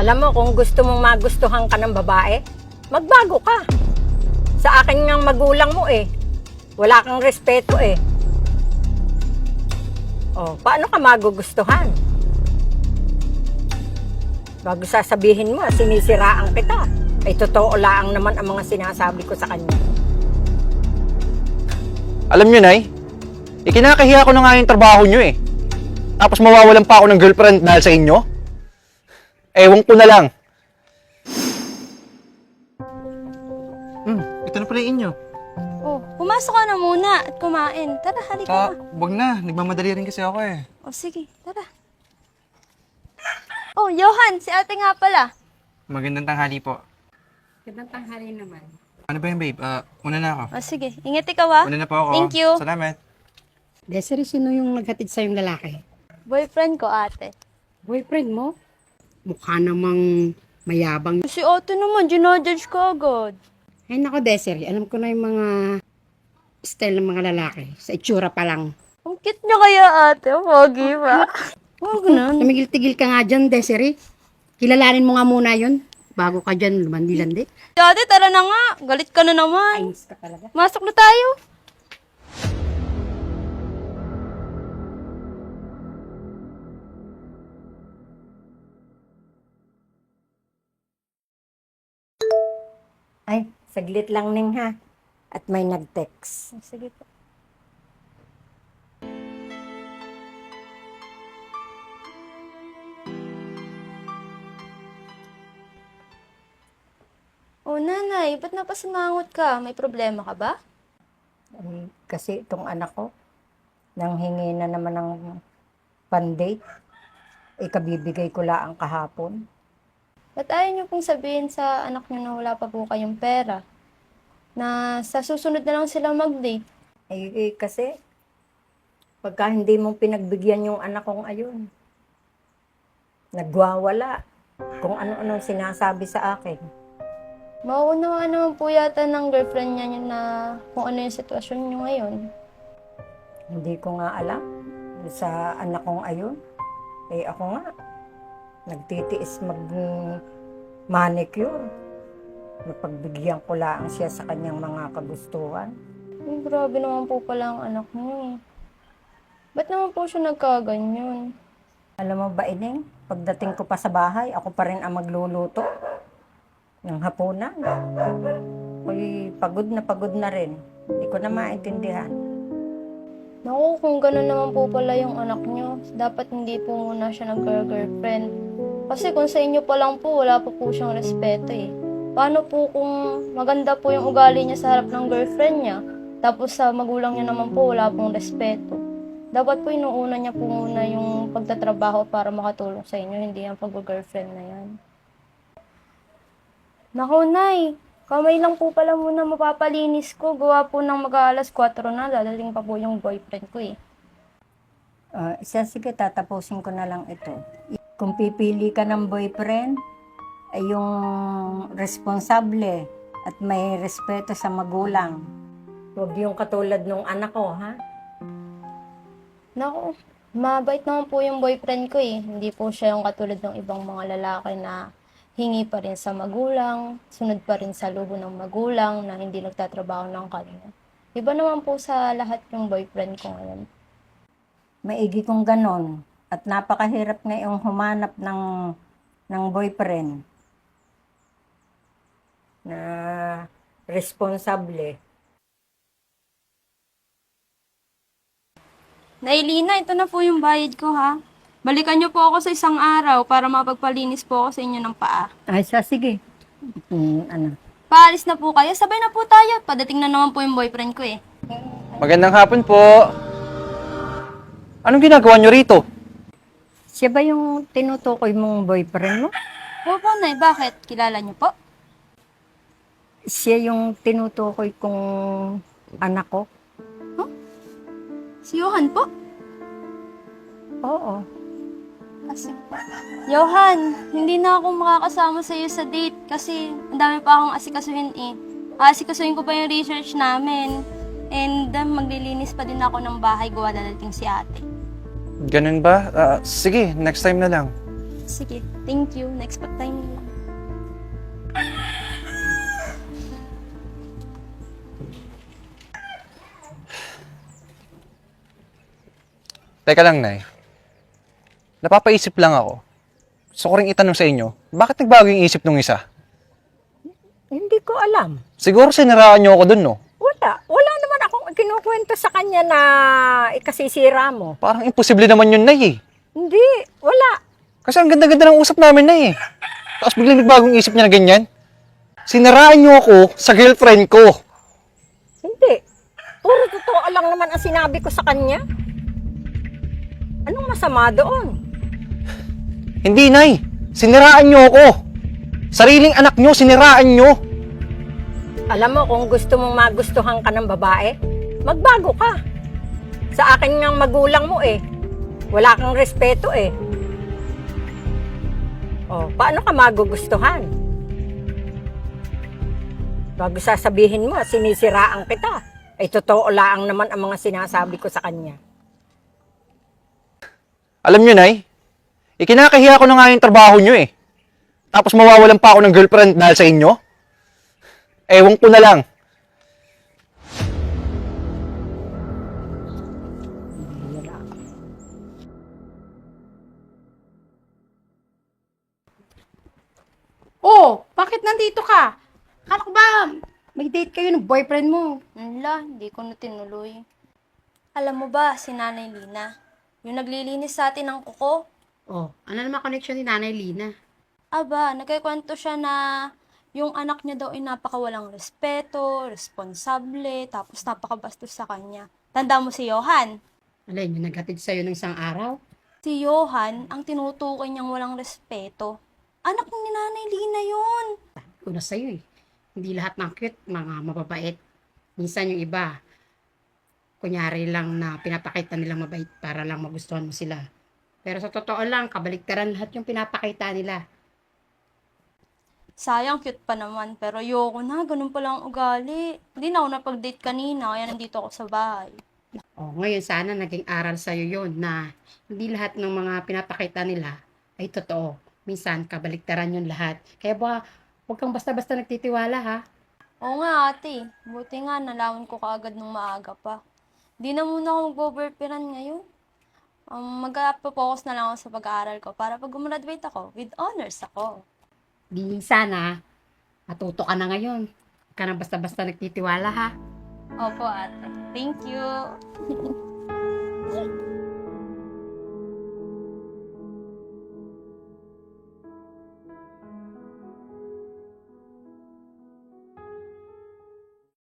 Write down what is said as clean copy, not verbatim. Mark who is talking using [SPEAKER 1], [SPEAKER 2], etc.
[SPEAKER 1] Alam mo, kung gusto mong magustuhan ka ng babae, magbago ka. Sa akin ngang magulang mo eh. Wala kang respeto eh. Oh, paano ka magugustuhan? Bago sasabihin mo, sinisiraan kita. Ay totoo lang naman ang mga sinasabi ko sa kanya.
[SPEAKER 2] Alam nyo, Nay, ikinakahiya ko na nga yung trabaho nyo eh. Tapos mawawalan pa ako ng girlfriend dahil sa inyo? Ewan ko na lang.
[SPEAKER 3] Ito na pala yung inyo.
[SPEAKER 4] Oh, pumasok ka na muna at kumain. Tara, halika na.
[SPEAKER 3] Wag na. Nagmamadali rin kasi ako eh.
[SPEAKER 4] Oh, sige, tara. Oh, Johan, si ate nga pala.
[SPEAKER 3] Magandang tanghali po.
[SPEAKER 1] Gandang tanghali naman.
[SPEAKER 3] Ano ba yun, babe? Una na ako.
[SPEAKER 4] Oh, sige, ingat ikaw ha.
[SPEAKER 3] Una na po ako.
[SPEAKER 4] Thank you.
[SPEAKER 3] Salamat.
[SPEAKER 5] Desiree, sino yung naghatid sa'yong lalaki?
[SPEAKER 4] Boyfriend ko, ate.
[SPEAKER 5] Boyfriend mo? Mukha namang mayabang.
[SPEAKER 4] Si ate naman, ginodjudge ko agad.
[SPEAKER 5] Ay nako, Desiree, alam ko na yung mga style ng mga lalaki. Sa itsura pa lang.
[SPEAKER 4] Ang cute niya kaya, ate. Pogi ba?
[SPEAKER 5] Huwag na. Tumigil-tigil ka nga dyan, Desiree. Kilalanin mo nga muna yun. Bago ka dyan, lumandi-landi.
[SPEAKER 4] Ate, tara na nga. Galit ka na naman.
[SPEAKER 5] Ayos ka talaga.
[SPEAKER 4] Masok na tayo.
[SPEAKER 1] Ay, saglit lang ning ha. At may nag-text.
[SPEAKER 4] Sige po. Oh, nanay, ba't napasimangot ka? May problema ka ba?
[SPEAKER 1] Ay, kasi itong anak ko, nanghingi na naman ng pandate. Ikabibigay ko lang kahapon.
[SPEAKER 4] Ba't ayaw niyo pong sabihin sa anak niyo na wala pa po kayong pera? Na sa susunod na lang sila mag-date?
[SPEAKER 1] Kasi, pagka hindi mo pinagbigyan yung anak kong ayun, nagwawala. Kung ano-ano sinasabi sa akin.
[SPEAKER 4] Mauunawaan naman po yata ng girlfriend niya na kung ano yung sitwasyon niyo ngayon.
[SPEAKER 1] Hindi ko nga alam sa anak kong ayun. Eh ako nga, nagtitiis mag-manicure. Napagbigyan ko lang siya sa kanyang mga kagustuhan.
[SPEAKER 4] Ay, grabe naman po pala ang anak niyo eh. Ba't naman po siya nagkaganyan?
[SPEAKER 1] Alam mo ba, Ining, pagdating ko pa sa bahay, ako pa rin ang magluluto ng hapunan. Uy, pagod na rin. Hindi ko na maintindihan.
[SPEAKER 4] Naku, kung gano'n naman po pala yung anak niyo, dapat hindi po muna siya nag-girlfriend. Kasi kung sa inyo pa lang po, wala pa po siyang respeto eh. Paano po kung maganda po yung ugali niya sa harap ng girlfriend niya, tapos sa magulang niya naman po, wala pong respeto. Dapat po inuuna niya po muna yung pagtatrabaho para makatulong sa inyo, hindi yung pag-girlfriend na yan. Naku, Nay, kamay lang po pala muna mapapalinis ko. Gawa po ng mag-aalas 4 na, dadating pa po yung boyfriend ko eh.
[SPEAKER 1] Sige, tatapusin ko na lang ito. Kung pipili ka ng boyfriend, ay yung responsable at may respeto sa magulang. Huwag yung katulad nung anak ko, ha?
[SPEAKER 4] Naku, mabait naman po yung boyfriend ko eh. Hindi po siya yung katulad ng ibang mga lalaki na hingi pa rin sa magulang, sunod pa rin sa luho ng magulang na hindi nagtatrabaho ng kanya. Iba naman po sa lahat yung boyfriend ko ngayon.
[SPEAKER 1] Maigi kong ganon. At napakahirap ngayong humanap ng boyfriend na responsable.
[SPEAKER 4] Nailina, ito na po yung bayad ko ha. Balikan niyo po ako sa isang araw para mapagpalinis po ako sa inyo ng paa.
[SPEAKER 1] Ay, sige.
[SPEAKER 4] Paalis na po kayo, sabay na po tayo. Padating na naman po yung boyfriend ko eh.
[SPEAKER 2] Magandang hapon po. Anong ginagawa nyo rito?
[SPEAKER 1] Siya ba yung tinutukoy mong boyfriend mo?
[SPEAKER 4] Opo, Nay, bakit? Kilala niyo po?
[SPEAKER 1] Siya yung tinutukoy kong anak ko?
[SPEAKER 4] Si Johan po?
[SPEAKER 1] Oo.
[SPEAKER 4] Johan, hindi na ako makakasama sa iyo sa date kasi ang dami pa akong asikasuhin eh. Asikasuhin ko pa yung research namin. And maglilinis pa din ako ng bahay gawa dadating si ate.
[SPEAKER 2] Ganun ba? Sige, next time na lang.
[SPEAKER 4] Sige, thank you. Next time na lang.
[SPEAKER 2] Teka lang, Nay. Napapaisip lang ako. Gusto ko rin itanong sa inyo, bakit nagbago yung isip nung isa?
[SPEAKER 1] Hindi ko alam.
[SPEAKER 2] Siguro siniraan niyo ako dun, no?
[SPEAKER 1] Wala naman akong kinukwento sa kanya na ikasisira mo.
[SPEAKER 2] Parang imposible naman yun, Nay, eh.
[SPEAKER 1] Hindi, wala.
[SPEAKER 2] Kasi ang ganda-ganda ng usap namin, Nay, eh. Tapos biglang nagbagong isip niya na ganyan. Siniraan niyo ako sa girlfriend ko.
[SPEAKER 1] Hindi. Puro totoo lang naman ang sinabi ko sa kanya. Anong masama doon?
[SPEAKER 2] Hindi, Nay. Siniraan niyo ako. Sariling anak niyo, siniraan niyo.
[SPEAKER 1] Alam mo, kung gusto mong magustuhan ka ng babae, magbago ka. Sa akin ngang magulang mo eh. Wala kang respeto eh. O, paano ka magugustuhan? Bago sasabihin mo, sinisiraan kita. Ay, totoo lang naman ang mga sinasabi ko sa kanya.
[SPEAKER 2] Alam niyo, Nay, ikinakahiya ko na nga yung trabaho niyo, eh. Tapos mawawalan pa ako ng girlfriend dahil sa inyo? Ewan ko na lang.
[SPEAKER 5] Oh, bakit nandito ka? Kala ko ba may date kayo ng boyfriend mo?
[SPEAKER 4] Wala, hindi ko na tinuloy. Alam mo ba, si Nanay Lina, yung naglilinis sa atin ng kuko,
[SPEAKER 5] Oh, ano naman connection ni Nanay Lina?
[SPEAKER 4] aba, nagkikwento siya na yung anak niya daw ay napakawalang respeto, responsable, tapos napakabastos sa kanya. Tanda mo si Johan?
[SPEAKER 5] Alay, yung naghatid sa'yo ng isang araw?
[SPEAKER 4] Si Johan, ang tinutukoy niyang walang respeto. Anak ni Nanay Lina yun.
[SPEAKER 5] Una sa'yo eh. Hindi lahat ng cute, mga mababait. Minsan yung iba, kunyari lang na pinapakita nilang mabait para lang magustuhan mo sila. Pero sa totoo lang, kabaliktaran lahat yung pinapakita nila.
[SPEAKER 4] Sayang, cute pa naman. Pero ayoko na, ganun pala ang ugali. Hindi na ako napag-date kanina, kaya nandito ako sa bahay.
[SPEAKER 5] Oh, ngayon sana naging aral sa'yo yon na hindi lahat ng mga pinapakita nila ay totoo. Minsan, kabaliktaran yung lahat. Kaya ba, huwag kang basta-basta nagtitiwala ha.
[SPEAKER 4] Oo nga ate, buti nga nalaman ko kaagad nung maaga pa. Di na muna ako mag-boyfriend ngayon. Mag-focus na lang ako sa pag-aaral ko para pag gumraduate ako, with honors ako.
[SPEAKER 5] Di sana, matuto ka na ngayon. Huwag ka na basta-basta nagtitiwala ha.
[SPEAKER 4] Opo ate, thank you.